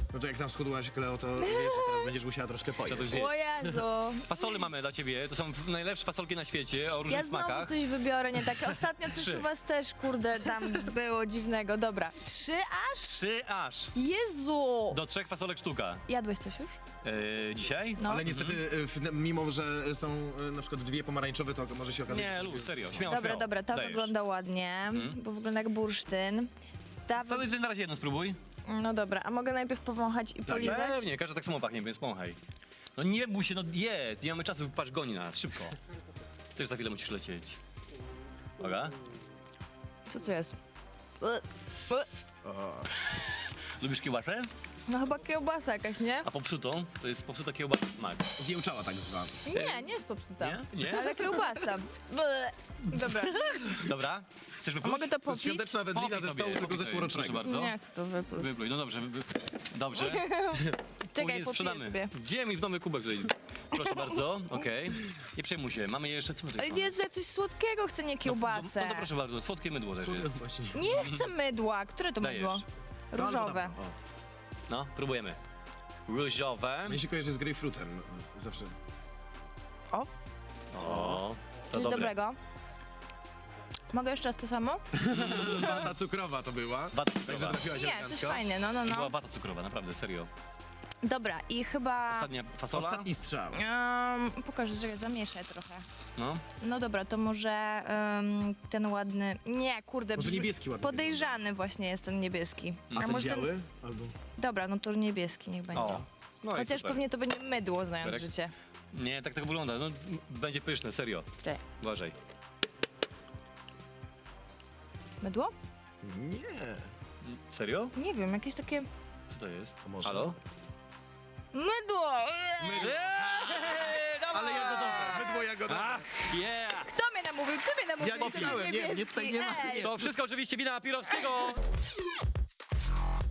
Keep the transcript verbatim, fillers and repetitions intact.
No to jak tam schudłaś, Kleo, to wiesz, że teraz będziesz musiała troszkę pojeść. to zjeść. O Jezu. Fasole mamy dla ciebie, to są najlepsze fasolki na świecie, o różnych Ja znowu smakach. coś wybiorę, nie takie. Ostatnio coś Trzy. u was też, kurde, tam było dziwnego. Dobra. Trzy aż? Trzy aż. Jezu! Do trzech fasolek sztuka. Jadłeś coś już? Yy, dzisiaj? No. Ale niestety, y, w- mimo że są y, na przykład dwie pomarańczowe, to może się okazać... Nie, że- luz, serio, śmiało, Dobra, śmiało. dobra, to Dajesz. wygląda ładnie, bo wygląda jak bursztyn. Ta To wy... na razie jedno spróbuj. No dobra, a mogę najpierw powąchać i polizać? Pewnie, każdy tak samo pachnie, więc pomachaj. No nie bój się, no jedz, nie mamy czasu, patrz, goni nas, szybko. Ty też za chwilę musisz lecieć. Uwaga. Co to jest? Ue, ue. Lubisz kiełbasę? No chyba kiełbasa jakaś, nie? A popsutą? To jest popsuta kiełbasa smak. Zjełczała tak zwana. Nie, nie jest popsuta. Nie? Nie? Ale kiełbasa. Ble. Dobra, Dobra, chcesz a wypluć? mogę to To jest popić? świąteczna wędlina Popij ze sobie, stołu tego popij sobie, zeszłorocznego. proszę bardzo. Nie chcę to wypluć. Wypluj, no dobrze, wy, wy, dobrze. Czekaj, Później popiję sprzedamy. sobie. Gdzie mi w nowy kubek tutaj? Proszę bardzo, okej. Nie przejmuj się, mamy jeszcze, co my tutaj Ale mamy? Jezu, ja coś słodkiego chcę, nie No, kiełbasę. no to proszę bardzo, słodkie mydło też Słodko jest. właśnie. Nie chcę mydła. Które to Dajesz. mydło? Różowe. Tam, tam, o. No, próbujemy. Różowe. Mnie się kojarzy z grejpfrutem zawsze. O, O, to coś dobre. dobrego. Mogę jeszcze raz to samo? Wata cukrowa to była. Wata Także cukrowa. trafiłaś Nie, coś elegancko. fajne, no, no, To była no. wata cukrowa, naprawdę, serio. Dobra, i chyba... Ostatnia fasola. Ostatni strzał. Um, pokażę, że zamieszaj trochę. No. No dobra, to może um, ten ładny... Nie, kurde. Może brz- niebieski ładny Podejrzany właśnie jest ten niebieski. A ten może biały? Albo... Dobra, no to niebieski niech będzie. O. No i Chociaż super. pewnie to będzie mydło, znając Berek? życie. Nie, tak to wygląda. No, m- będzie pyszne, serio. Ty. Uważaj. Mydło? Nie. Serio? Nie wiem, jakieś takie... Co to jest? To może. Halo? Mydło! Mydło. Eee, dawaj! Ale jagodowe, mydło jagodowe. Ach, yeah! Kto mnie namówił? Ty mnie namówił! Ja nie jestem chciałem, nie, nie, niebieski. tutaj nie ma- Ej. To wszystko oczywiście wina Pirowskiego!